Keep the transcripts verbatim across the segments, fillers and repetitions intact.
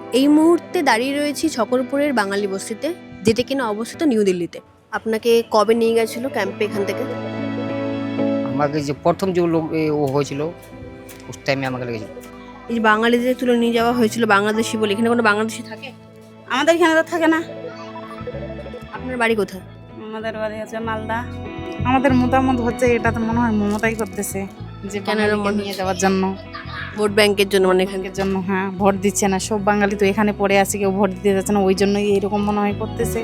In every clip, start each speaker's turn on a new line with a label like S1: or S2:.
S1: এই মুহূর্তে দাঁড়িয়ে রয়েছি ছকরপুরের বাঙালি বস্তিতে, যেটা কিনা অবস্থিত নিউ দিল্লিতে। আপনাকে কবে নিয়ে গেছিল ক্যাম্পে এখান থেকে?
S2: আমাকে যে প্রথম যে লোক এ ও হয়েছিল উস টাইমে আমাকে লেগেছিল।
S1: এই যে বাঙালিদের তুলে নিয়ে যাওয়া হয়েছিল বাংলাদেশি বলে, এখানে কোনো বাংলাদেশি থাকে?
S3: আমাদের এখানে তো থাকে না।
S1: আপনার বাড়ি কোথায়?
S3: আমাদের বাড়ি হচ্ছে মালদা। আমাদের মতামত হচ্ছে এটা তো মনে হয় মমতাই করতেছে যে
S1: কেন এরম
S3: বাঙালিকে
S1: মনে
S3: নিয়ে
S1: হচ্ছে?
S3: যাওয়ার জন্য,
S1: ভোট ব্যাংকের জন্য, মানে এখানে
S3: এখানকার জন্য। হ্যাঁ, ভোট দিচ্ছে না, সব বাঙালি তো এখানে পড়ে আছে, কেউ ভোট দিতে যাচ্ছে না, ওই জন্যই এরকম মনে হয় করতেছে।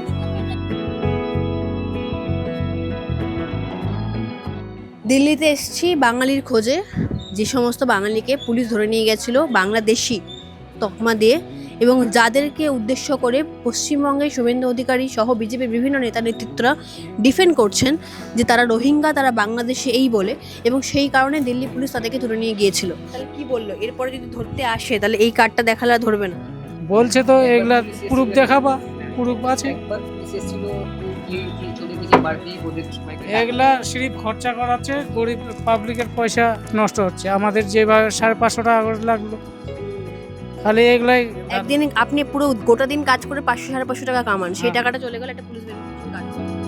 S1: দিল্লিতে এসেছি বাঙালির খোঁজে। যে সমস্ত বাঙালিকে পুলিশ ধরে নিয়ে গেছিল বাংলাদেশি তকমা দিয়ে, এবং যাদেরকে উদ্দেশ্য করে পশ্চিমবঙ্গের শুভেন্দু অধিকারী সহ বিজেপির বিভিন্ন নেতা নেতৃত্বরা ডিফেন্ড করছেন যে তারা রোহিঙ্গা, তারা বাংলাদেশে এই বলে, এবং সেই কারণে দিল্লি পুলিশ তাদেরকে ধরে নিয়ে গিয়েছিল। তাহলে কি বললো, এরপরে যদি ধরতে আসে তাহলে এই কার্ডটা দেখালে আর ধরবে না?
S4: বলছে তো এগুলা প্রুফ দেখাবা, প্রুফ আছে।
S2: একবার বিশেষ ছিল কি কি চলে গেছে বাড়তি ওদের সময়
S4: এগুলা সিরিপ খরচা করাচ্ছে, গরিব পাবলিকের পয়সা নষ্ট হচ্ছে। আমাদের যেভাবে সাড়ে পাঁচশো টাকা করে লাগলো, খালি এগুলাই।
S1: একদিন আপনি পুরো গোটা দিন কাজ করে পাঁচশো সাড়ে পাঁচশো টাকা কামান, সেই টাকাটা চলে গেলে একটা পুলিশ ভেরিফিকেশন কার্ড।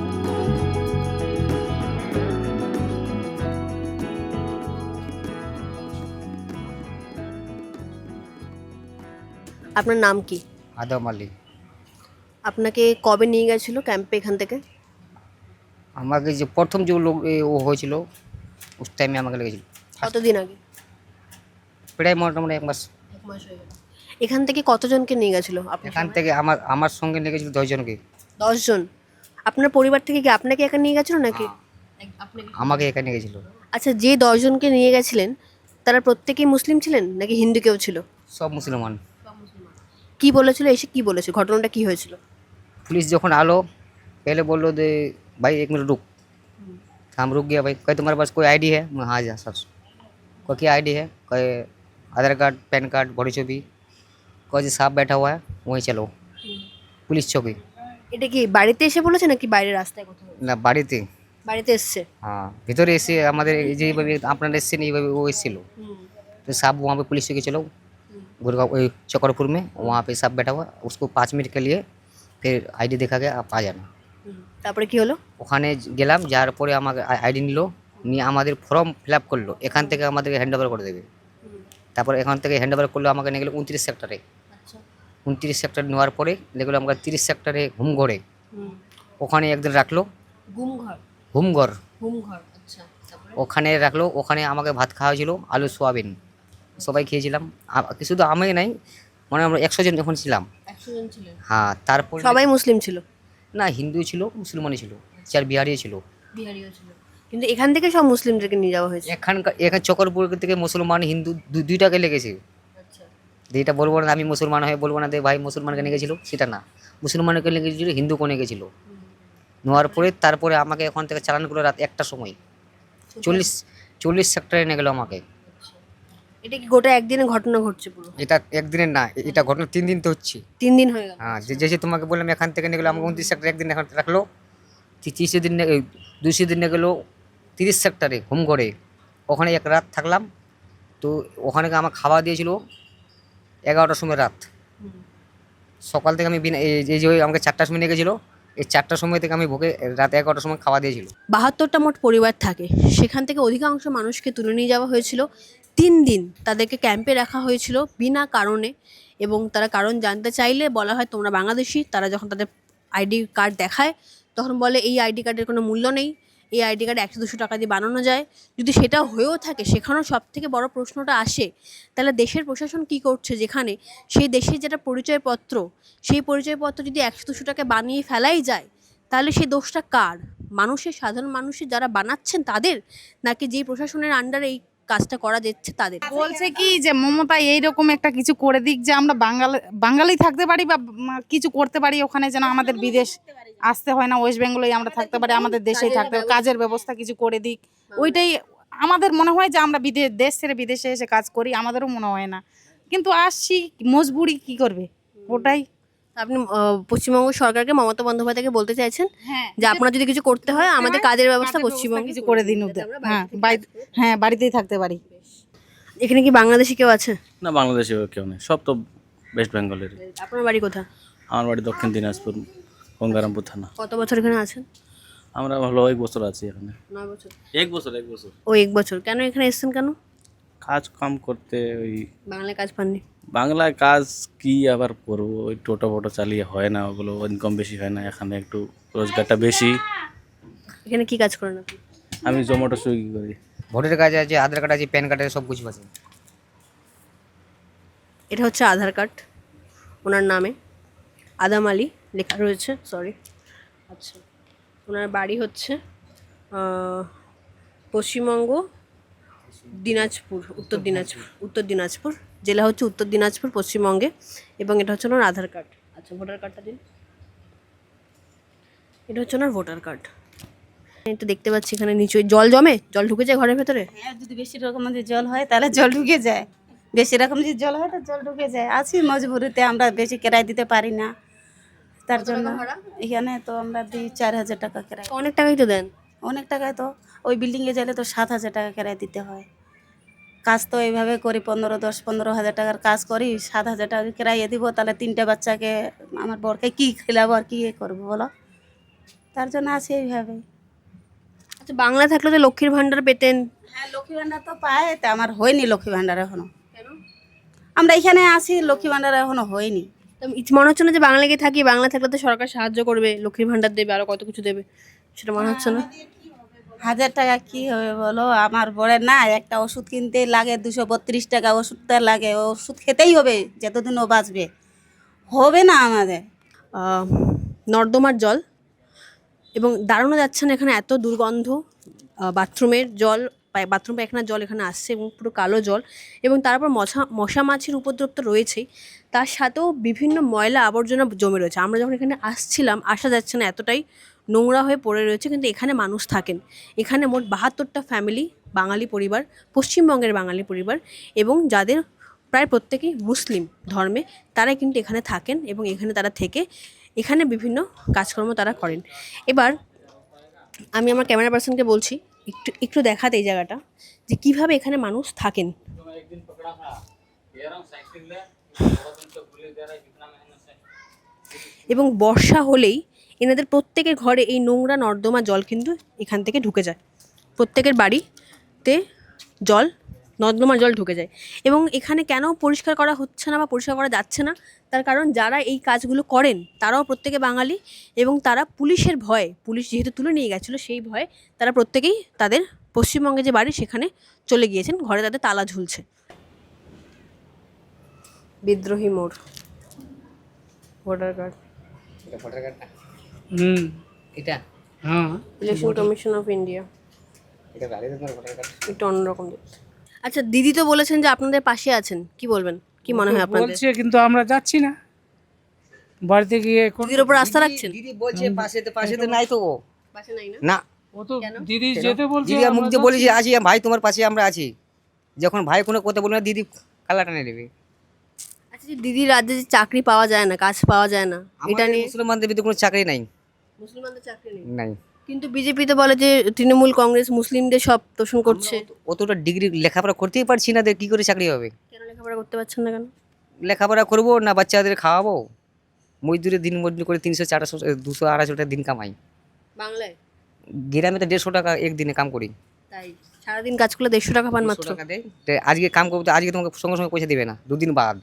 S1: আপনার নাম কি?
S2: আদম আলী।
S1: আপনাকে কবে নিয়ে গেছিল ক্যাম্পে এখান থেকে?
S2: আমাকে যে প্রথম যে লোক এ ও হয়েছিল উস টাইমে আমাকে লেগেছিল।
S1: কতদিন আগে?
S2: প্রায় মোটামুটি এক মাস।
S1: এক মাস হয়ে গেল। এখান থেকে কতজনকে নিয়ে গেছিল আপনার
S2: এখান
S1: সময়?
S2: থেকে আমার আমার সঙ্গে লেগেছিল দশজনকে।
S1: দশ জন। আপনার পরিবার থেকে কি আপনাকে একা নিয়ে গেছিল নাকি? এক- আপনাকে?
S2: আমাকে এখানে গেছিল।
S1: আচ্ছা, যে দশ জনকে নিয়ে গেছিলেন তারা প্রত্যেকেই মুসলিম ছিলেন নাকি হিন্দু কেউ ছিল?
S2: সব মুসলমান।
S1: কি বলেছিল, এসে কি বলেছে, ঘটনাটা কি হয়েছিল?
S2: पुलिस जखन आलो पहले बोल लो दे भाई एक मिनट रुक। हम रुक गया भाई। कहे तुम्हारे पास कोई आईडी है? मैं हाँ जा सर। कोई क्या आईडी है? कहे आधार कार्ड पैन कार्ड बड़ी छवि। कोई जी साहब बैठा हुआ है वहीं चलो पुलिस चौकी।
S1: এটা কি বাড়িতে এসে বলেছে নাকি বাইরে রাস্তায় কোথাও?
S2: না বাড়িতে।
S1: বাড়িতে এসছে।
S2: हाँ ভিতরে এসে আমাদের এই যে এইভাবে আপনারা এসছেন এইভাবে ও এসেছিল। तो साहब वहाँ पे पुलिस चौकी चलो गुड़गांव वही चकरपुर में, वहाँ पे साहब बैठा हुआ। उसको पाँच मिनट के लिए फिर आईडी देखा गया आप आ जाना।
S1: তারপরে কি হলো?
S2: ওখানে গেলাম, যাওয়ার পরে আমাকে আইডি নিল, নিয়ে আমাদের ফর্ম ফিল আপ করলো, এখান থেকে আমাদেরকে হ্যান্ড ওভার করে দেবে। তারপর এখান থেকে হ্যান্ড ওভার করলো, আমাকে নিয়ে গেলো উনত্রিশ সেক্টরে।
S1: আচ্ছা।
S2: উনত্রিশ সেক্টর নেওয়ার পরে দেখলো আমাকে তিরিশ সেক্টরে হুমঘরে, ওখানে একদিন রাখলো।
S1: গুম ঘর?
S2: হুমঘর
S1: গুম ঘর, আচ্ছা। তারপরে?
S2: ওখানে রাখলো, ওখানে আমাকে ভাত খাওয়া হয়েছিল আলু সোয়াবিন, সবাই খেয়েছিলাম। আ- শুধু আমি নাই, মানে আমরা একশো জন যখন ছিলাম।
S1: একশো জন ছিলেন?
S2: হ্যাঁ তারপর
S1: সবাই মুসলিম ছিল?
S2: না হিন্দু ছিল, মুসলমানই ছিল, চার বিহারিও ছিল।
S1: বিহারিও ছিল। কিন্তু এখান থেকে সব মুসলিমদেরকে নিয়ে যাওয়া হয়েছে?
S2: এখানকার এখানে চকরপুর থেকে মুসলমান হিন্দু দু- দুইটাকে লেগেছে।
S1: আচ্ছা।
S2: যেটা বলবো না আমি মুসলমান হয়ে বলবো না যে ভাই মুসলমানকে নিয়ে গেছিলো, সেটা না। মুসলমানকে নিয়ে গেছিলো, হিন্দুকে নিয়ে গেছিলো। নেওয়ার পরে তারপরে আমাকে ওখান থেকে চালান করলো রাত একটার সময়। চল্লিশ চল্লিশ সেক্টরে নিয়ে গেলো আমাকে।
S1: এটা কি গোটা একদিনের ঘটনা ঘটছে পুরো?
S2: এটা একদিনের না, এটা ঘটনা তিন দিন তো হচ্ছে।
S1: তিন দিন হয়ে গেল?
S2: হ্যাঁ যে যে তোমাকে বললাম এখান থেকে নিয়ে গেলো আমাকে উনত্রিশ সেক্টরে একদিন এখন রাখলো। তিরিশে দিন দুইশো দিন নিয়ে গেলো তিরিশ সেক্টরে হুমঘরে, ওখানে এক রাত থাকলাম। তো ওখানে আমার খাওয়া দিয়েছিল এগারোটার সময় রাত। সকাল থেকে আমি বিনা এই এই যে ওই আমাকে চারটার সময় নিয়ে গেছিলো, এই চারটার সময় থেকে আমি ভোগে রাত এগারোটার সময় খাওয়া দিয়েছিল।
S1: বাহাত্তরটা মোট পরিবার থাকে, সেখান থেকে অধিকাংশ মানুষকে তুলে নিয়ে যাওয়া হয়েছিল। তিন দিন তাদেরকে ক্যাম্পে রাখা হয়েছিল বিনা কারণে, এবং তারা কারণ জানতে চাইলে বলা হয় তোমরা বাংলাদেশি। তারা যখন তাদের আইডি কার্ড দেখায় তখন বলে এই আইডি কার্ডের কোনো মূল্য নেই, এই আইডি কার্ড একশো দুশো টাকা দিয়ে বানানো যায়। যদি সেটা হয়েও থাকে, সেখানেও সব থেকে বড় প্রশ্নটা আসে তাহলে দেশের প্রশাসন কি করছে, যেখানে সেই দেশের যেটা পরিচয়পত্র, সেই পরিচয়পত্র যদি একশো দুশো টাকা বানিয়ে ফেলাই যায়, তাহলে সেই দোষটা কার? মানুষের, সাধারণ মানুষের যারা বানাচ্ছেন তাদের, নাকি যেই প্রশাসনের আন্ডারে এই কাজটা করা যাচ্ছে তাদের?
S3: বলছে কি যে মমতা এইরকম একটা কিছু করে দিক যে আমরা বাঙালি বাঙালি থাকতে পারি বা উম, কিছু করতে পারি ওখানে, যেন আমাদের বিদেশ আসতে হয় না, ওয়েস্ট বেঙ্গলেই আমরা থাকতে পারি, আমাদের দেশেই থাকতে পারি, কাজের ব্যবস্থা কিছু করে দিক। ওইটাই আমাদের মনে হয় যে আমরা বিদেশ দেশ ছেড়ে বিদেশে এসে কাজ করি, আমাদেরও মনে হয় না, কিন্তু আসছি মজবুরি কি করবে ওটাই।
S1: আপনি আহ, পশ্চিমবঙ্গ সরকারকে, মমতা বন্দ্যোপাধ্যায়কে বলতে চাইছেন
S3: হ্যাঁ
S1: যে আপনার যদি কিছু করতে হয় আমাদের কাজের ব্যবস্থা
S3: কাজের
S1: পশ্চিমবঙ্গে
S3: কিছু করে দিন ওদের। হ্যাঁ বাড়ি- হ্যাঁ বাড়িতেই থাকতে পারি।
S1: এখানে কি বাংলাদেশি কেউ আছে?
S5: না বাংলাদেশে কেউ নেই, সব তো ওয়েস্ট বেঙ্গলের।
S1: আপনার বাড়ি কোথায়?
S5: আমার বাড়ি দক্ষিণ দিনাজপুর, গঙ্গারামপুর থানা।
S1: কত বছর এখানে আছেন?
S5: আমরা ভালো এক বছর আছি এখানে।
S1: নয় বছর।
S5: এক বছর এক বছর
S1: ও এক বছর। কেন এখানে এসেছেন কেন?
S5: কাজ কাম করতে, ওই
S1: বাংলায় কাজ পাননি?
S5: বাংলায় কাজ কি আবার করবো, ওই টোটো ফোটো চালিয়ে হয় না, ওগুলো ইনকাম বেশি হয় না, এখানে একটু রোজগারটা বেশি।
S1: এখানে কি কাজ করেন আপনি?
S5: আমি জোম্যাটো সুইগি করি।
S2: ভোটের কাজ আছে, আধার কার্ড আছে, প্যান কার্ড আছে, সব কিছু আছে।
S1: এটা হচ্ছে আধার কার্ড ওনার নামে, আদাম আলী লেখা রয়েছে, সরি। আচ্ছা, ওনার বাড়ি হচ্ছে আহ, পশ্চিমবঙ্গ দিনাজপুর, উত্তর দিনাজপুর, উত্তর দিনাজপুর জেলা হচ্ছে উত্তর দিনাজপুর পশ্চিমবঙ্গে, এবং এটা হচ্ছে ওনার আধার কার্ড। আচ্ছা, ভোটার কার্ডটা দিন। এটা হচ্ছে ওনার ভোটার কার্ড। এই তো দেখতে পাচ্ছি এখানে নিচে জল জমে, জল ঢুকে যায় ঘরের ভেতরে।
S6: হ্যাঁ, যদি বেশি রকম যদি জল হয় তাহলে জল ঢুকে যায়, বেশি রকম যদি জল হয় তো জল ঢুকে যায়। আছি মজবুরিতে, আমরা বেশি কিরায় দিতে পারি না, তার জন্য এখানে তো আমরা দিই চার হাজার টাকা কিরায়।
S1: অনেক টাকাই তো দেন।
S6: অনেক টাকায় তো ওই বিল্ডিংয়ে গেলে তো সাত হাজার টাকা কিরায় দিতে হয়। কাজ তো এইভাবে করি, পনেরো দশ পনেরো হাজার টাকার কাজ করি, সাত হাজার টাকা কিরাইয়ে দিব, তাহলে তিনটে বাচ্চাকে আমার বরকে কী খেলাবো আর কী করবো বলো, তার জন্য আছি এইভাবে।
S1: আচ্ছা, বাংলা থাকলে তো লক্ষ্মীর ভাণ্ডার পেতেন।
S6: হ্যাঁ, লক্ষ্মী ভাণ্ডার তো পায়, তা আমার হয়নি লক্ষ্মী ভাণ্ডার এখনো। আমরা এখানে আসি, লক্ষ্মী ভাণ্ডার এখনো হয়নি।
S1: তো ইচ- মনে হচ্ছে না যে বাংলা গিয়ে থাকি, বাংলা থাকলে তো সরকার সাহায্য করবে, লক্ষ্মীর ভাণ্ডার দেবে, আরো কত কিছু দেবে, সেটা মনে হচ্ছে না?
S6: হাজার টাকা কি হবে বলো, আমার বড়ের না একটা ওষুধ কিনতে লাগে দুশো বত্রিশ টাকা, ওষুধটা লাগে, ও ওষুধ খেতেই হবে যতদিন ও বাঁচবে, হবে না আমাদের।
S1: আহ, নর্দমার জল, এবং দাঁড়ানো যাচ্ছে না এখানে, এত দুর্গন্ধ। আহ, বাথরুমের জল, পায়- বাথরুম পায়খানার জল এখানে আসছে, এবং পুরো কালো জল, এবং তারপর মশা মশা মাছির উপদ্রব তো রয়েছেই, তার সাথেও বিভিন্ন ময়লা আবর্জনা জমে রয়েছে। আমরা যখন এখানে আসছিলাম, আসা যাচ্ছে না, এতটাই নোংরা হয়ে পড়ে রয়েছে, কিন্তু এখানে মানুষ থাকেন। এখানে মোট বাহাত্তরটা ফ্যামিলি, বাঙালি পরিবার, পশ্চিমবঙ্গের বাঙালি পরিবার, এবং যাদের প্রায় প্রত্যেকেই মুসলিম ধর্মে, তারা কিন্তু এখানে থাকেন, এবং এখানে তারা থেকে এখানে বিভিন্ন কাজকর্ম তারা করেন। এবার আমি আমার ক্যামেরা পার্সনকে বলছি একটু একটু দেখাতে এই জায়গাটা, যে কিভাবে এখানে মানুষ থাকেন। এবং বর্ষা হলেই এনাদের প্রত্যেকের ঘরে এই নোংরা নর্দমা জল কিন্তু এখান থেকে ঢুকে যায়, প্রত্যেকের বাড়িতে জল, নর্দমার জল ঢুকে যায়। এবং এখানে কেন পরিষ্কার করা হচ্ছে না বা পরিষ্কার করা যাচ্ছে না, তার কারণ যারা এই কাজগুলো করেন তারাও প্রত্যেকে বাঙালি, এবং তারা পুলিশের ভয়ে, পুলিশ যেহেতু তুলে নিয়ে গেছিলো সেই ভয়ে, তারা প্রত্যেকেই তাদের পশ্চিমবঙ্গে যে বাড়ি সেখানে চলে গিয়েছেন, ঘরে তাদের তালা ঝুলছে। বিদ্রোহী মোড়, ভোটার কার্ড,
S2: এটা ভোটার কার্ড না,
S4: হুম,
S2: এটা
S4: হ্যাঁ,
S1: ইলেকশন কমিশন অফ ইন্ডিয়া,
S2: এটা ভালো তোমার ভোটার কার্ড।
S1: একটু অন্যরকম দেখতে। আচ্ছা, দিদি তো বলেছেন যে আপনাদের পাশে আছেন, কি বলবেন, কি মনে হয় আপনাদের?
S4: বলছে কিন্তু আমরা যাচ্ছি না বাড়িতে গিয়ে কোন-
S1: দিদির উপর আস্থা রাখছেন?
S2: দিদি বলছে পাশে তো, পাশে তো নাই তো ও।
S1: পাশে নাই না?
S2: না,
S4: ও তো
S1: কেন?
S4: দিদি যেতে বলছে,
S2: দিদি আর মুখ
S4: আমরা
S2: দিয়ে
S4: যাচ্ছি
S2: বলেছি
S4: না।
S2: আছি ভাই, তোমার পাশে আমরা আছি। যখন ভাই কোনো কথা বলবে না, দিদি কালা টানে নেবে।
S1: আচ্ছা, যে দিদির রাজ্যে যে চাকরি পাওয়া যায় না, কাজ পাওয়া যায় না, এটা
S2: এটা
S1: নিয়ে
S2: মুসলমানদের ভিতরে কোনো চাকরি নাই,
S1: মুসলমানদের চাকরি নেই,
S2: নাই।
S1: কিন্তু বিজেপি তো বলে যে তৃণমূল কংগ্রেস মুসলিমদের সব তোষণ করছে।
S2: অতটা ডিগ্রি লেখাপড়া করতেই পারছি না, কি করে চাকরি হবে?
S1: কেন লেখাপড়া করতে পারছেন না কেন?
S2: লেখাপড়া করবো না বাচ্চাদের খাওয়াবো? মজদুরি দিন মজদুরি করে তিনশো চারশো দুশো আড়াইশো টাকা দিন কামাই।
S1: বাংলায়
S2: গ্রামে তো দেড়শো টাকা একদিনে কাম করি।
S1: তাই সারাদিন কাজ করলে দেড়শো টাকা পান
S2: দেড়শো
S1: মাত্র।
S2: টাকা দেয়, তো আজকে কাম করবো তো আজকে তোমাকে সঙ্গে সঙ্গে পয়সা দেবে না, দুদিন বাদ।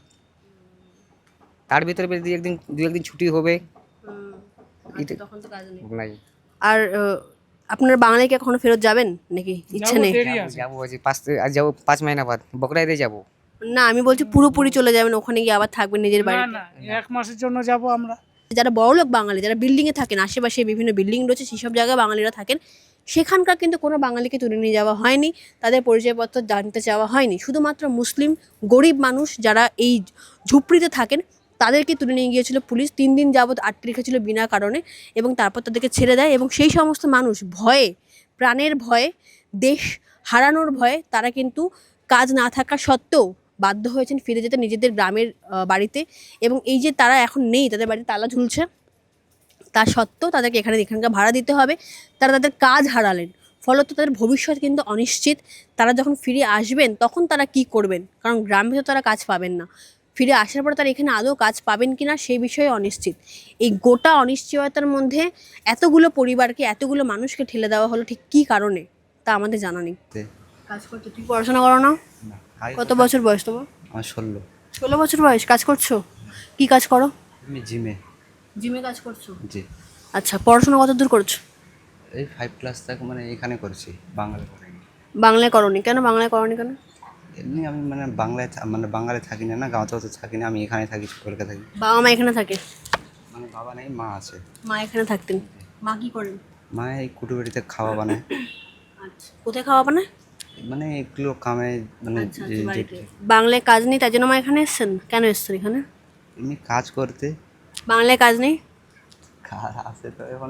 S2: তার ভিতরে যদি একদিন দু একদিন ছুটি হবে,
S1: হুম,
S2: এটা-
S1: তখন তো কাজ নেই।
S2: নাই।
S1: আর আহ, আপনারা বাংলায় কি এখনো ফেরত যাবেন নাকি ইচ্ছে
S4: যাবো,
S1: নেই?
S4: দেরি আছে।
S2: যাবো আজ পাঁচ আজ যাবো পাঁচ মাইনা বাদ বকরাইতে যাবো।
S1: না, আমি বলছি পুরোপুরি চলে যাবেন, ওখানে গিয়ে আবার থাকবেন নিজের
S4: না
S1: বাড়িতে।
S4: না, এক মাসের জন্য যাব আমরা।
S1: যারা বড়লোক বাঙালি, যারা বিল্ডিংয়ে থাকেন, আশেপাশে বিভিন্ন বিল্ডিং রয়েছে, সেসব জায়গায় বাঙালিরা থাকেন, সেখানকার কিন্তু কোনো বাঙালিকে তুলে নিয়ে যাওয়া হয়নি, তাদের পরিচয়পত্র জানতে চাওয়া হয়নি। শুধুমাত্র মুসলিম গরিব মানুষ যারা এই ঝুপড়িতে থাকেন তাদেরকে তুলে নিয়ে গিয়েছিল পুলিশ, তিন দিন যাবৎ আটকে রেখেছিল বিনা কারণে, এবং তারপর তাদেরকে ছেড়ে দেয়। এবং সেই সমস্ত মানুষ ভয়ে, প্রাণের ভয়ে, দেশ হারানোর ভয়ে, তারা কিন্তু কাজ না থাকা সত্ত্বেও বাধ্য হয়েছেন ফিরে যেতে নিজেদের গ্রামের আহ, বাড়িতে। এবং এই যে তারা এখন নেই, তাদের বাড়িতে তালা ঝুলছে, তা সত্ত্বেও তাদেরকে এখানে এখানকার ভাড়া দিতে হবে। তারা তাদের কাজ হারালেন, ফলত তাদের ভবিষ্যৎ কিন্তু অনিশ্চিত। তারা যখন ফিরে আসবেন তখন তারা কি করবেন, কারণ গ্রামে তো তারা কাজ পাবেন না। ফিরে আসার পর তারা এখানে আদৌ কাজ পাবেন কিনা সেই বিষয়ে অনিশ্চিত। এই গোটা অনিশ্চয়তার মধ্যে এতগুলো পরিবারকে, এতগুলো মানুষকে ঠেলে দেওয়া হলো ঠিক কী কারণে তা আমাদের জানা নেই। কাজ করছো, তুমি পড়াশোনা করো না? কত বছর বয়স তোমার?
S7: আমার ষোলো।
S1: ষোলো বছর বয়স, কাজ করছো? কি কাজ করো?
S7: আমি জিমে।
S1: জিমে কাজ করছো?
S7: জি।
S1: আচ্ছা, পড়াশোনা কত দূর করছো?
S7: এই ফাইভ ক্লাস থেকে মানে এখানে করেছি, বাংলা করে।
S1: বাংলায় করনি কেন? বাংলায় করনি কেন?
S7: এমনি আমি মানে বাংলায় থা- মানে বাঙালি থাকি না, না গাঁওতে তো থাকি না, আমি এখানে থাকি, কলকাতা থাকি।
S1: বাবা মা এখানে থাকে?
S7: মানে বাবা নেই, মা আছে।
S1: মা এখানে থাকতেন। মা কি করেন?
S7: মা এই কুটুবাড়িতে খাওয়া বানায়,
S1: আচ্ছা, কোথায় খাওয়া বানায়?
S7: মানে এগুলো কামে মানে
S1: আচ্ছা,
S7: যে-
S1: আচ্ছা, বাড়িতে।
S7: যে-
S1: বাংলায় কাজ নেই তাই জন্য মা এখানে এসেছেন? কেন এসেছেন এখানে?
S7: এমনি কাজ করতে।
S1: বাংলায় কাজ নেই?
S7: কাজ আছে তো এখন।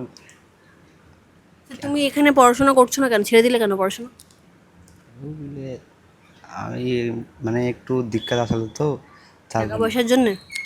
S1: তা তুমি এখানে পড়াশোনা করছো না কেন? ছেড়ে দিলে কেন পড়াশোনা?
S7: বুঝলে আমি মানে একটু দিক্কত আসলে তো তার
S1: টাকা পয়সার জন্য?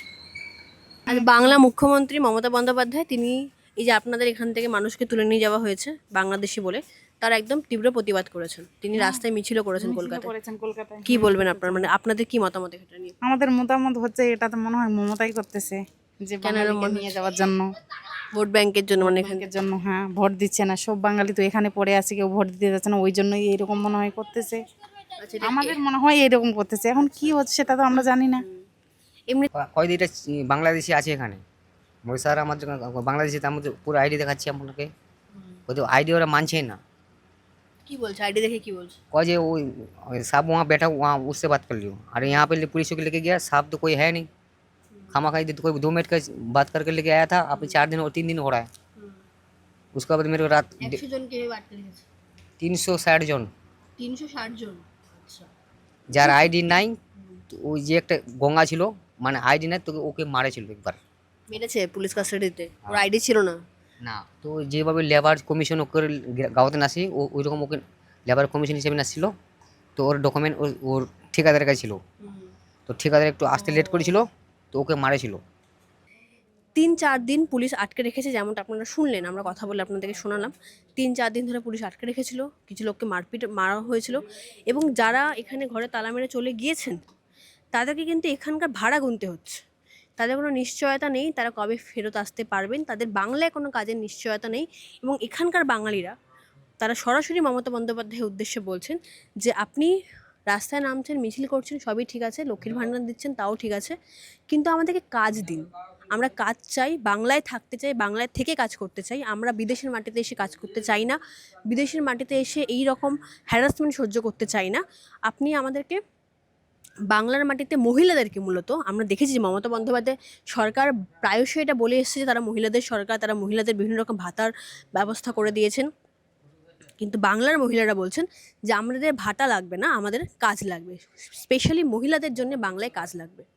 S1: আজ বাংলা মুখ্যমন্ত্রী মমতা বন্দ্যোপাধ্যায় তিনি এই যে আপনাদের এখান থেকে মানুষকে তুলে নিয়ে যাওয়া হয়েছে বাংলাদেশি বলে, তার একদম তীব্র প্রতিবাদ করেছেন। তিনি রাস্তায় মিছিলও করেছেন
S3: মিছিল
S1: কলকাতায়।
S3: করেছেন কলকাতায়।
S1: কি বলবেন আপনার, মানে আপনাদের কি মতামত এটা নিয়ে?
S3: আমাদের মতামত হচ্ছে এটা তো মনে হয় মমতাই করতেছে, যে
S1: কেন এরম
S3: বাঙালিকে
S1: মনে
S3: নিয়ে যাওয়ার জন্য,
S1: ভোট ব্যাংকের জন্য, মানে এখানে
S3: ব্যাংকের জন্য। হ্যাঁ, ভোট দিচ্ছে না, সব বাঙালি তো এখানে পড়ে আছে, কেউ ভোট দিতে যাচ্ছে না, ওই জন্যই এইরকম মনে হয় করতেছে।
S1: আচ্ছা, এটা
S3: আমাদের মনে হয় এইরকম করতেছে, এখন কি হচ্ছে সেটা তো আমরা জানি না।
S1: এমনি
S2: কয়দিটা বাংলাদেশি আছে এখানে। ওই স্যার আমার যখন বাংলাদেশি, তার মধ্যে পুরো আইডি দেখাচ্ছি আপনাকে, ওদের আইডি ওরা মানছেই না।
S1: কি বলছে আইডি দেখে? কি বলছে?
S2: कह जे वो साहब वहाँ बैठा वहाँ उससे बात कर लियो। अरे यहाँ पे पुलिस को लेके गया, साहब तो कोई है नहीं, खामा खाई तो कोई दो मिनट का बात करके लेके आया था, अब चार दिन और तीन दिन हो रहा है। उसके बाद मेरे को रात
S1: একশো জন কে আটকে রেখেছে?
S2: तीन सौ साठ जन
S1: তিনশো ষাট জন। আচ্ছা,
S2: যার আইডি নাই, তো ওই যে একটা গঙ্গা ছিল, মানে আইডি নাই, তোকে ওকে মারেছিল একবার।
S1: মেরেছে পুলিশ কাস্টাডিতে? ওর আইডি ছিল না?
S2: না, তো যেভাবে লেবার কমিশন ওকে গাঁওতে নাসি, ও ওই রকম ওকে লেবার কমিশন হিসেবে নাসছিল। তো ওর ডকুমেন্ট ওর ঠিকাদারের কাছে ছিল, তো ঠিকাদার একটু আসতে লেট করেছিল, তো ওকে মারেছিল।
S1: তিন চার দিন পুলিশ আটকে রেখেছে, যেমনটা আপনারা শুনলেন, আমরা কথা বলে আপনাদেরকে শোনালাম। তিন চার দিন ধরে পুলিশ আটকে রেখেছিল, কিছু লোককে মারপিট মারা হয়েছিল, এবং যারা এখানে ঘরে তালা মেরে চলে গিয়েছেন তাদেরকে কিন্তু এখানকার ভাড়া গুনতে হচ্ছে। তাদের কোনো নিশ্চয়তা নেই তারা কবে ফেরত আসতে পারবেন, তাদের বাংলায় কোনো কাজের নিশ্চয়তা নেই। এবং এখানকার বাঙালিরা তারা সরাসরি মমতা বন্দ্যোপাধ্যায়ের উদ্দেশ্যে বলছেন যে আপনি রাস্তায় নামছেন, মিছিল করছেন, সবই ঠিক আছে, লক্ষ্মীর ভাণ্ডার দিচ্ছেন, তাও ঠিক আছে, কিন্তু আমাদেরকে কাজ দিন। আমরা কাজ চাই, বাংলায় থাকতে চাই, বাংলায় থেকে কাজ করতে চাই। আমরা বিদেশের মাটিতে এসে কাজ করতে চাই না, বিদেশের মাটিতে এসে এই রকম হ্যারাসমেন্ট সহ্য করতে চাই না। আপনি আমাদেরকে বাংলার মাটিতে মহিলাদেরকে, মূলত আমরা দেখেছি যে মমতা বন্দ্যোপাধ্যায় সরকার প্রায়শই এটা বলে এসেছে যে তারা মহিলাদের সরকার, তারা মহিলাদের বিভিন্ন রকম ভাতার ব্যবস্থা করে দিয়েছেন, কিন্তু বাংলার মহিলারা বলছেন যে আমাদের ভাতা লাগবে না, আমাদের কাজ লাগবে, স্পেশালি মহিলাদের জন্য বাংলায় কাজ লাগবে।